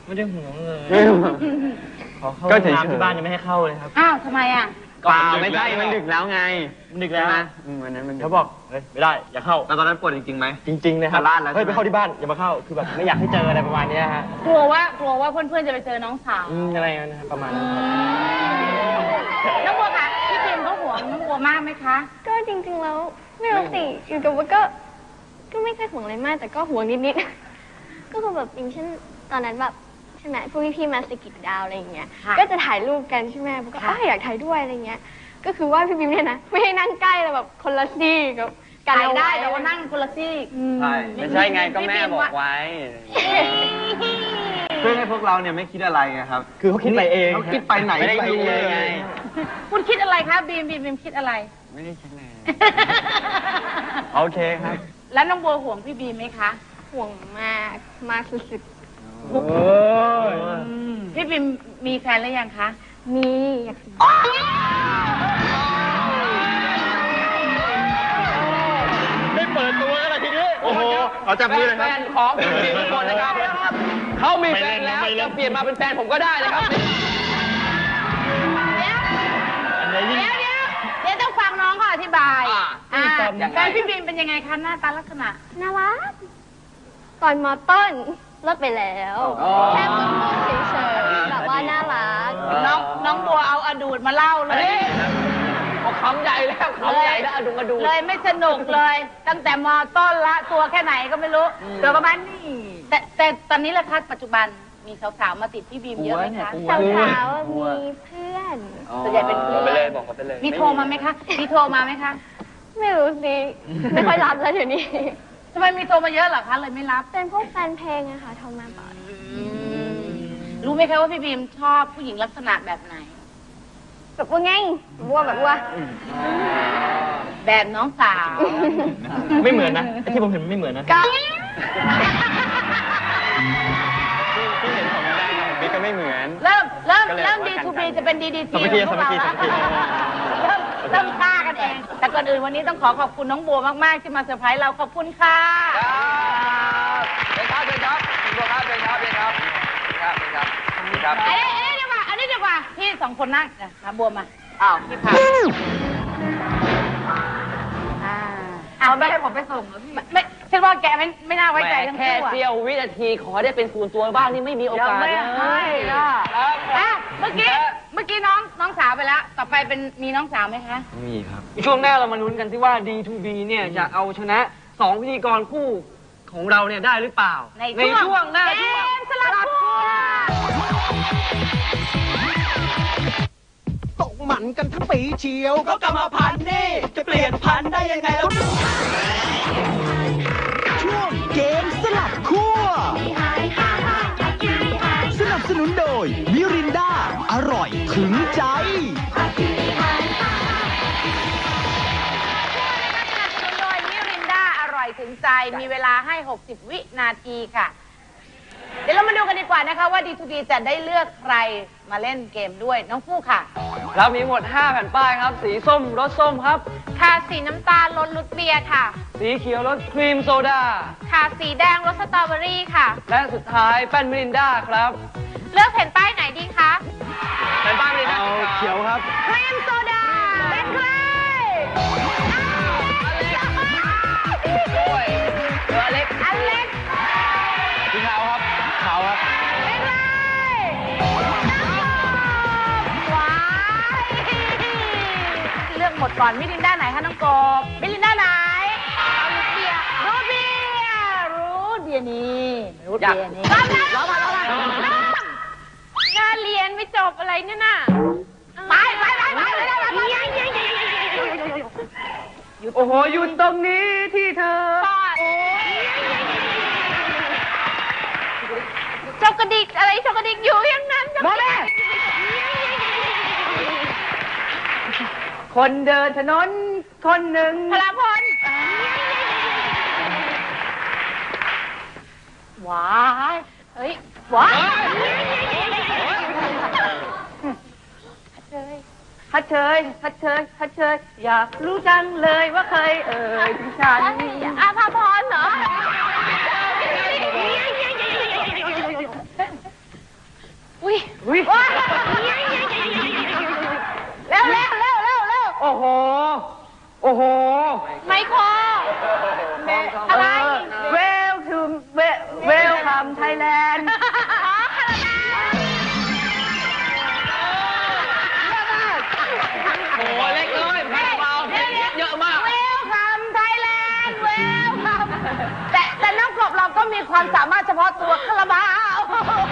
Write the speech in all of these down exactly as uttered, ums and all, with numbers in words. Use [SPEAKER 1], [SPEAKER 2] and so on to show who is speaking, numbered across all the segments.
[SPEAKER 1] ไม่ได้ห่วงเลย ขอเข้า
[SPEAKER 2] ก็เฉย
[SPEAKER 1] น้ำที่บ้านยังไม่ให้เข้าเลยครับ
[SPEAKER 3] อ้าวทำไมอ่ะ
[SPEAKER 2] เปล่าไม่ใช่มันดึกแล้วไง
[SPEAKER 1] ดึกแล้ว
[SPEAKER 2] นะวันนั้นมัน
[SPEAKER 1] เขาบอกเฮ้ยไม่ได้อย่าเข้า
[SPEAKER 2] แล้วตอนนั้นปวดจริงๆไหม
[SPEAKER 1] จริงๆนะครับ
[SPEAKER 2] ลาดแล้ว
[SPEAKER 1] เฮ้ยไปเข้าที่บ้านอย่ามาเข้าคือแบบไม่อยากให้เจออะไรประมาณนี้ฮะ
[SPEAKER 3] กลัวว่ากลัวว่าเพื่อนๆจะไปเจอน้องสาว
[SPEAKER 1] อืมอะไรนั้นนะครับประมาณนั้นครับ
[SPEAKER 3] น้องบัวคะพี่พิมเขาห่วงน้องบัวมากไหมคะ
[SPEAKER 4] ก็จริงๆแล้วไม่รู้สิอยู่กับว่าก็ก็ไม่ค่อยห่วงอะไรมาก แต่ก็ห่วงนิดๆ ก็คือแบบอย่างเช่นตอนนั้นแบบใช่ไหมพวกพี่ๆมาสกิดดาวอะไรอย่างเงี้ยก็จะถ่ายรูปกันใช่ไหมผมก็อ้าวอยากถ่ายด้วยอะไรเงี้ยก็คือว่าพี่บิมเนี่ยนะไม่ให้นั่งใกล้เลยแบบคนละซี่กับกัน
[SPEAKER 3] ถ่าย
[SPEAKER 4] เอา
[SPEAKER 3] ได้
[SPEAKER 4] ไว้
[SPEAKER 3] แต่ว่านั่งคนละซี่
[SPEAKER 2] ใช่ไม่ใช่ไงก็แม่บอกไว้ เพื่อให้พวกเราเนี่ยไม่คิดอะไรไงครับ
[SPEAKER 1] คือเขาคิดไปเอง
[SPEAKER 2] เขาคิดไปไหน
[SPEAKER 1] ไม่ได้
[SPEAKER 2] ไป
[SPEAKER 1] คิด
[SPEAKER 2] เล
[SPEAKER 1] เลย ย
[SPEAKER 2] ไง
[SPEAKER 3] คุณคิดอะไรคะบีมบีมบีมคิดอะไร
[SPEAKER 2] ไม่ได้คิดเลยโอเคครับ
[SPEAKER 3] แล้วน้องบัวห่วงพี่บีมไหมคะ
[SPEAKER 4] ห่วงมากมากสุด
[SPEAKER 1] โอ้ย
[SPEAKER 3] พี่บีมมีแฟนหรือยังคะ
[SPEAKER 4] ๆมีอยากสิ
[SPEAKER 1] ไม่เปิดตัวกันเลยทีนี้โอ้โหเอาจับมือเลยครับ
[SPEAKER 5] แฟนของพี่บีมทุกคนนะครับเขามีแฟนแล้ว
[SPEAKER 1] ไม่เล่น
[SPEAKER 5] จะเปลี่ยนมาเป็นแฟนผมก็ได้นะครับ
[SPEAKER 3] เดี๋ยวเดี๋ยวเดี๋ยวเดี๋ยวต้องฟังน้องเขาอธิบาย
[SPEAKER 5] อ่า
[SPEAKER 3] อ่า
[SPEAKER 5] ยังไง
[SPEAKER 3] แฟนพี่บีมเป็นยังไงคะหน้าตาลักษณะ
[SPEAKER 4] น่ารักตอนมอต้นเลิกไปแล้วแค่มึนๆเฉยๆแบบว่าน่ารัก
[SPEAKER 3] น้องน้องบัวเอาอดูดมาเล่าเล
[SPEAKER 5] อัน
[SPEAKER 3] ย
[SPEAKER 5] นี้เอาคำใหญ่แล้วคำใหญ่แล้วอะดูมาดู
[SPEAKER 3] เลยไม่สนุกเลย ตั้งแต่มอต้นละตัวแค่ไหนก็ไม่รู้ตัวประมาณนี้แต่แต่ตอนนี้ละคะปัจจุบันมีสาวๆมาติดพี่บีมเยอะไหมคะ
[SPEAKER 4] สาวๆมีเพื่อน
[SPEAKER 3] ส่วนใหญ่เป็นเพื่อน
[SPEAKER 5] ไปเลยบอกเขาไปเลย
[SPEAKER 3] มีโทรมาไหมคะมีโทรมาไหมคะ
[SPEAKER 4] ไม่รู้สิ ไม่ค่อยรับแล้วเดี๋ยวนี้
[SPEAKER 3] ทำไมมีโทรมาเยอะเหรอคะเลยไม่รับ
[SPEAKER 4] เป็นพวกแฟนเพลงอะค่ะโทรมาบ่อย
[SPEAKER 3] รู้ไหมคะว่าพี่บีมชอบผู้หญิงลักษณะแบบไหน
[SPEAKER 4] แบบว่าไงบัวแบบว่า
[SPEAKER 3] แบบน้องสาว
[SPEAKER 1] ไม่เหมือนนะไอ้ที่ผมเห็นไม่เหมือนนะ
[SPEAKER 4] ก็
[SPEAKER 2] ที่เห็นของได้ของบิ๊กก็ไม่เหมือน
[SPEAKER 3] เริ่มเริ่ม
[SPEAKER 2] ก็เลย
[SPEAKER 3] เริ่ม
[SPEAKER 2] ว่า
[SPEAKER 3] ดี
[SPEAKER 2] กัน
[SPEAKER 3] ทูบี
[SPEAKER 2] กัน
[SPEAKER 3] จะเป็นดีดี
[SPEAKER 1] สามัคคี
[SPEAKER 3] ของพวกเรา
[SPEAKER 1] สามัคคี
[SPEAKER 3] แล้วเริ่มเริ่มฆ่ากันเอง แต่ก่อนอื่นวันนี้ต้องขอขอบคุณน้องบัวมากๆที่มาเซอร์ไพรส์เราขอบคุณค่ะ
[SPEAKER 5] ครับเป็นครับเป็นครับเป็นครับเป็นครับเป็นครับเป็นครับเป็นครับ
[SPEAKER 3] อันนี้อันนี้ดีกว่าอันนี้ดีกว่าพี่สองคนนั่งนะมาบัวมาอ้าวพี่พาอ่าเอาไม่ให้ผมไปส่งเหรอพี่ไม่ฉันว่าแกไม่ไม่น่าไว้ใจทั้ง
[SPEAKER 5] แค่
[SPEAKER 3] คู่อะ
[SPEAKER 5] เสี้ยววินาทีขอได้เป็นส่วนตัวบ้างนี่ไม่มีโอกาส
[SPEAKER 3] ยังไม่ให้อ่ะ
[SPEAKER 5] ครับ
[SPEAKER 3] อ่ะเมื่อกี้เมื่อกี้น้องน้องสาวไปแล้ว ต่อไปเป็นมีน้องสาวไหมคะ
[SPEAKER 1] มีครับ
[SPEAKER 5] ช่วงหน้าเรามาลุ้นกันที่ว่า ดี ทู บี เนี่ยจะเอาชนะสองพิธีกรคู่ของเราเนี่ยได้หรือเปล่า
[SPEAKER 3] ในช่วง
[SPEAKER 5] หน้า
[SPEAKER 3] เก
[SPEAKER 5] ช่วง
[SPEAKER 3] มสลับคู่
[SPEAKER 6] ตกหมันกันทั้งปีเชียวก็กรรมพันธุ์นี่จะเปลี่ยนพันธุ์ได้ยังไงแล้วช่วงเกมสลับขั้วสนับสนุนโดยมิรินดาอร่อยถึงใจ
[SPEAKER 3] โดยมิรินดาอร่อยถึงใจ มีเวลาให้ หกสิบ วินาทีค่ะ เดี๋ยวเรามาดูกันดีกว่านะคะว่า ดี ทู บี จะได้เลือกใครมาเล่นเกมด้วยน้องฟู่ค่ะ
[SPEAKER 5] เรามีหมดห้าแผ่นป้ายครับ สีส้มรสส้มครับ
[SPEAKER 3] ค่ะสีน้ำตาลรสรุดเบียร์ค่ะ
[SPEAKER 5] สีเขียวรสครีมโซดา
[SPEAKER 3] ค่ะสีแดงรสสตรอเบอรี่ค่ะ
[SPEAKER 5] และสุดท้ายแป้นมิรินดาครับ
[SPEAKER 3] เลือกแผ่นป้ายไหนดีคะ
[SPEAKER 5] แผ่นป้ายมิรินดา
[SPEAKER 1] เอาเขียวครับ
[SPEAKER 3] ครีมโซดาเป็นใคร
[SPEAKER 5] ด้วยเรือเล็ก
[SPEAKER 3] อันเล็ก
[SPEAKER 1] สีขาวครับ ขาวครับ
[SPEAKER 3] เป็นใครว้ายเลือกหมดก่อนมิรินดาไหนคะน้องกบมิรินดาไหนรูทเบียร์รูทเบียร์รูทเบียร์นี่รูทเบียร์นี่รับนะรับมารับมางานเรียนไม่จบอะไรเนี่ยน่ะไปไปไปไปไปไปไป
[SPEAKER 5] โอ้โหหยุดตรงนี้ที่เธอ
[SPEAKER 3] ปอดเจ้ากระดิกอะไรเจ้ากระดิกอยู่อย่างนั้น
[SPEAKER 5] โมเม่ คนเดินถนนคนหนึ่ง
[SPEAKER 3] พลพลว้ายเฮ้ยว้ายฮัทเชยฮัทเชยฮัทเชยอยากรู้จังเลยว่าเคยเอ่ยถึงฉันอาภาพรเหรอ
[SPEAKER 5] อุ๊ย
[SPEAKER 3] เร็วเร็วเร็วเร็วเร็ว
[SPEAKER 5] โอ้โห โอ้โห
[SPEAKER 3] ไมโครอะไร
[SPEAKER 5] เวลคือเวเวลคัมไทยแลนด์
[SPEAKER 3] อ๋อคาราบาว
[SPEAKER 5] โอ้โหเล็กเลยคาราบาวเยอะมาก
[SPEAKER 3] เวลคัมไทยแลนด์เวลคัมแต่แต่น้องกบเราก็มีความสามารถเฉพาะตัวคาราบาว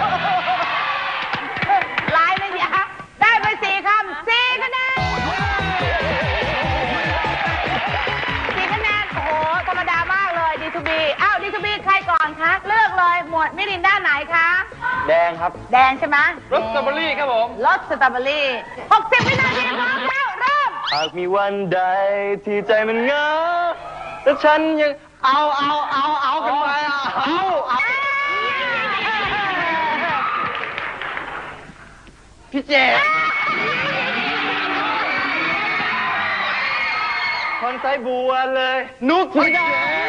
[SPEAKER 3] ลายเลยเนี่ยได้ไปสี่คำสี่คะแนนสี่คะแนนโอ้โหธรรมดามากเลยดีทูบีอ้าวดีทูบีใครก่อนคะเลือกเลยหมวดมิรินด้านไหนคะ
[SPEAKER 2] แดงครับ
[SPEAKER 3] แดงใช่ไหม
[SPEAKER 5] รสสตรอเบอรี่ครับผม
[SPEAKER 3] รสสตรอเบอรี่หกสิบวินาทีพร้อมแล้วเริ่ม
[SPEAKER 2] หากมีวันใดที่ใจมันเหงาแต่ฉันยังเอาเอาเอาเอากันไปอ่ะเอาเอา พี่เจดคนใส่บัวเลย นุกถึงได้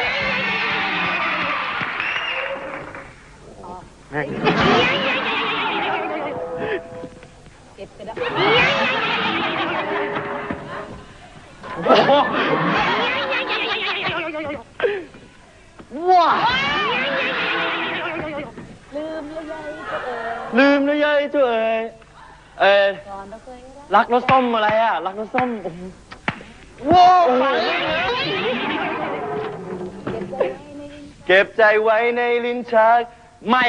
[SPEAKER 2] ว้าลืมแล้วยายตัวเอ๋ยเออรักรสส้มอะไรอ่ะ รักรสส้มโอ้โหว้าวเก็บใจไว้ในลิ้นชักไม่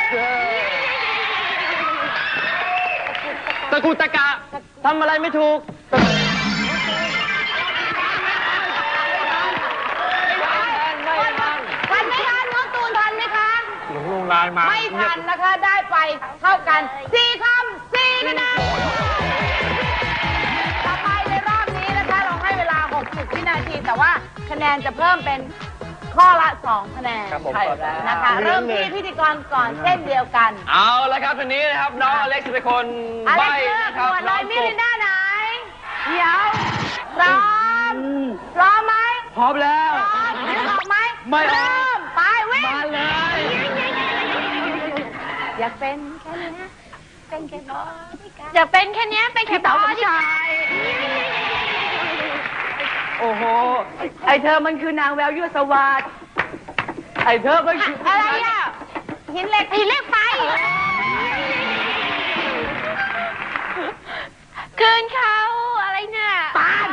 [SPEAKER 2] ตะกุตะกะทำอะไรไม่ถูก
[SPEAKER 3] ทันไหมคะน้องตูนทันไหมคะ
[SPEAKER 5] หลงลงลายมา
[SPEAKER 3] ไม่ทันนะคะได้ไปเท่ากันสี่คำสี่คะแนนต่อไปในรอบนี้นะคะเราให้เวลาหกสิบวินาที แต่ว่าคะแนนจะเพิ่มเป็นข้อละสองคะแนน
[SPEAKER 2] ครับผม
[SPEAKER 3] ใช่แล้วนะคะเริ่มที่พิธีกรก่อนเช่นเดียวกัน
[SPEAKER 5] เอาละครับทีนี้นะครับน้องอเล็กซ์จะเป็นคน
[SPEAKER 3] อ
[SPEAKER 5] ใบ้
[SPEAKER 3] เล็กเลือก
[SPEAKER 5] นะครับ
[SPEAKER 3] หมวดเล
[SPEAKER 5] น้อง
[SPEAKER 3] ยมิ
[SPEAKER 5] กบ
[SPEAKER 3] รินด้าไหนเดี๋ยวพร้อมพร้อมไหม
[SPEAKER 5] พร้อมแล้ว
[SPEAKER 3] พร้อมนึกออกไหม
[SPEAKER 5] ไม่ออก
[SPEAKER 3] เริ่มไปวิ่ง
[SPEAKER 5] มาเลย
[SPEAKER 3] อยากเป็นแค่นี้เป็นแค่บอดี้การ์ด
[SPEAKER 4] อยากเป็นแค่เนี้ยเป็นแค่
[SPEAKER 3] พี่เต๋า
[SPEAKER 4] บ
[SPEAKER 3] ส
[SPEAKER 4] อ
[SPEAKER 3] ม
[SPEAKER 4] ดี้
[SPEAKER 3] ชาย
[SPEAKER 5] โอ้โห ไอเธอมันคือนางแววยั่วสวัสดไอเธอมันคือ
[SPEAKER 3] อะไรอ่ะหินเหล็กหินเหล็กไฟ
[SPEAKER 4] คืนเขาอะไรเนี่ย
[SPEAKER 3] ปาน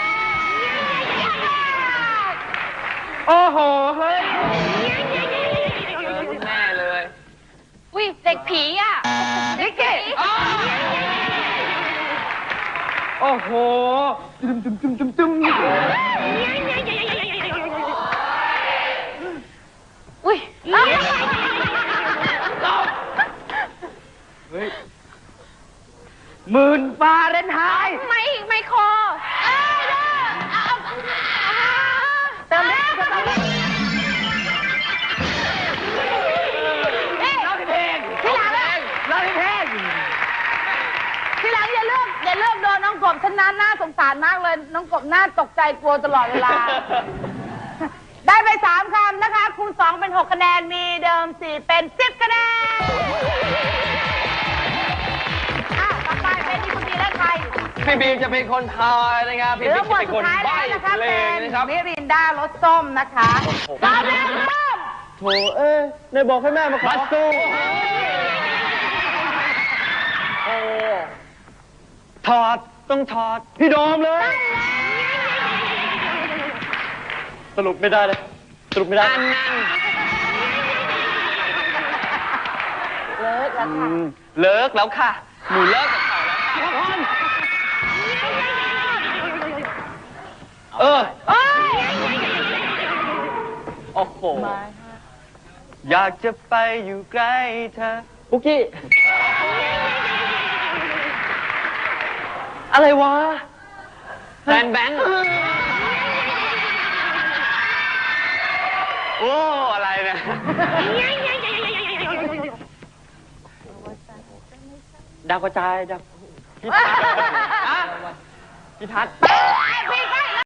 [SPEAKER 5] โอ้โห เฮ้ยแน่เลย
[SPEAKER 4] อุ้ยเด็กผีอ่ะ
[SPEAKER 3] นิกกี้
[SPEAKER 5] โอ้โหตึมตึมตึมตึมตึม
[SPEAKER 4] อุ้ย
[SPEAKER 5] เฮ้ยหมื่นฟาเรนไฮต์
[SPEAKER 4] ไม่ไม่คอเอ้ยเด้อเอาเอา
[SPEAKER 3] เติมเล็กเติมเล็ก
[SPEAKER 5] ร้องเพลง
[SPEAKER 3] ทีหลังอะ
[SPEAKER 5] ร้องเพลง
[SPEAKER 3] ทีหลังอย่าเลือกอย่าเลือกโดนน้องกบฉันนั้นน่าสงสารมากเลย น้องกบน่าตกใจกลัวตลอดเวลา ได้ไปสามคำนะคะ คูณสองเป็นหกคะแนน มีเดิมสี่เป็นสิบคะแนนอ่ะต่อไปเป็นที่คุณดีและใคร
[SPEAKER 5] พี่บีมจะเป็นคนทายนะครับ
[SPEAKER 3] เห
[SPEAKER 5] พี่
[SPEAKER 3] ลื
[SPEAKER 5] บิ๊
[SPEAKER 3] อก หมว
[SPEAKER 5] จะ
[SPEAKER 3] ด
[SPEAKER 5] เป็น
[SPEAKER 3] สุ
[SPEAKER 5] ค
[SPEAKER 3] ด
[SPEAKER 5] น
[SPEAKER 3] ท้าย
[SPEAKER 5] ใบ้
[SPEAKER 3] แล้วนะคะ
[SPEAKER 5] เพล
[SPEAKER 3] เป็
[SPEAKER 5] ง
[SPEAKER 3] น
[SPEAKER 5] นะครับ
[SPEAKER 3] มิรินดารสส้มนะคะตอนนี้เริ่ม
[SPEAKER 2] โถเอ้ยนายบอกให้แม่มาขอ
[SPEAKER 5] บัสซู
[SPEAKER 2] โอ้ถอด ต้องถอด พี่โดมเลย สรุปไม่ได้เลย สรุปไม่ได้
[SPEAKER 5] อันนั้น
[SPEAKER 3] เลิกแล้ว
[SPEAKER 2] อื
[SPEAKER 3] ค่ะ
[SPEAKER 2] ม
[SPEAKER 5] เลิกแล้วค่ะ หนูเลิกกับเขาแล้วค่ะ
[SPEAKER 2] เออ
[SPEAKER 3] เอ้ย
[SPEAKER 2] โอ้โห อยากจะไปอยู่ใกล้เธอปุกกี้ อะไรวะ
[SPEAKER 5] แฟนแบงค์
[SPEAKER 2] โอ้ อะไรเนี่ย ดาวกระจายดาวพี่ทัศน์พี่ทัศน์